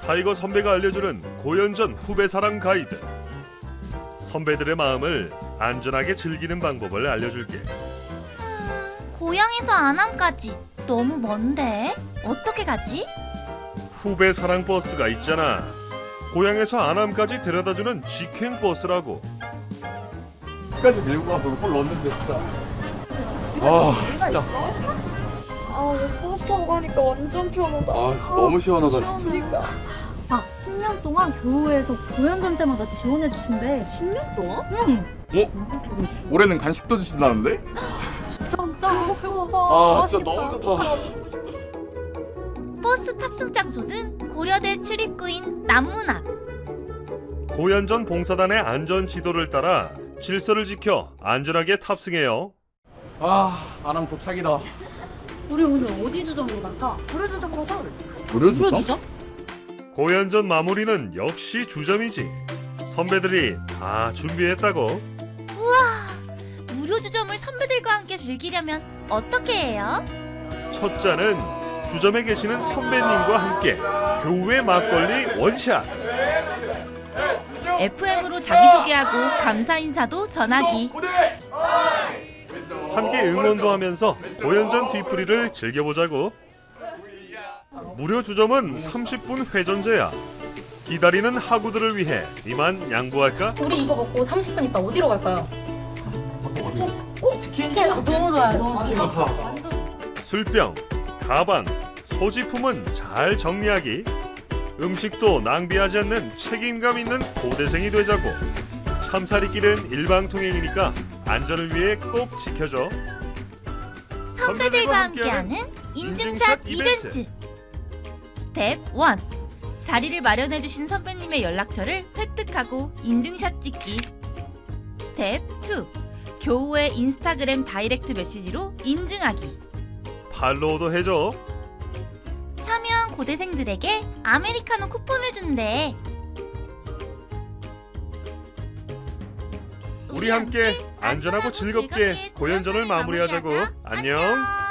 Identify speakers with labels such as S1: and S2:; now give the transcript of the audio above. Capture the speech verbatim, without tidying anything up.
S1: 타이거 선배가 알려주는 고연전 후배 사랑 가이드. 선배들의 마음을 안전하게 즐기는 방법을 알려줄게.
S2: 음, 고향에서 안암까지 너무 먼데 어떻게 가지?
S1: 후배 사랑 버스가 있잖아. 고향에서 안암까지 데려다주는 직행 버스라고.
S3: 끝까지 밀고 가서 홀 넣었는데 진짜. 아 진짜.
S4: 아, 버스 타고 가니까 완전 편하다.
S3: 아 진짜 너무 시원하다 진짜.
S4: 그러니까.
S5: 아, 십 년 동안 교우에서 고연전 때마다 지원해 주신대.
S4: 십 년 동안?
S5: 응.
S3: 올해는 간식도 주신다는데?
S5: 진짜
S3: 아 진짜 너무 좋다.
S2: 버스 탑승 장소는 고려대 출입구인 남문 앞.
S1: 고연전 봉사단의 안전 지도를 따라 질서를 지켜 안전하게 탑승해요.
S3: 아 아람 도착이다.
S5: 우리 오늘 어디 주점으로 갈까? 고려 주점 가자.
S3: 무료
S5: 고려 주점?
S1: 고연전 마무리는 역시 주점이지. 선배들이 다 준비했다고.
S2: 무료 주점을 선배들과 함께 즐기려면 어떻게 해요?
S1: 첫 잔은 주점에 계시는 선배님과 함께 교우의 막걸리 원샷.
S2: 에프엠으로 자기소개하고 감사 인사도 전하기.
S1: 함께 응원도 하면서 고연전 뒤풀이를 즐겨보자고. 무료 주점은 삼십 분 회전제야. 기다리는 학우들을 위해 이만 양보할까?
S5: 우리 이거 먹고 삼십 분 있다 어디로 갈까요? 어? 치킨 너무 좋아요. 너무 좋아요. 완전
S1: 술병, 가방, 소지품은 잘 정리하기. 음식도 낭비하지 않는 책임감 있는 고대생이 되자고. 참사리길은 일방통행이니까 안전을 위해 꼭 지켜줘.
S2: 선배들과 함께하는 인증샷 이벤트. 스텝 일. 자리를 마련해주신 선배님의 연락처를 획득하고 인증샷 찍기. 스텝 이. 교우의 인스타그램 다이렉트 메시지로 인증하기.
S1: 팔로우도 해줘.
S2: 참여한 고대생들에게 아메리카노 쿠폰을 준대.
S1: 우리 함께 안전하고 즐겁게 고연전을 마무리하자고. 안녕.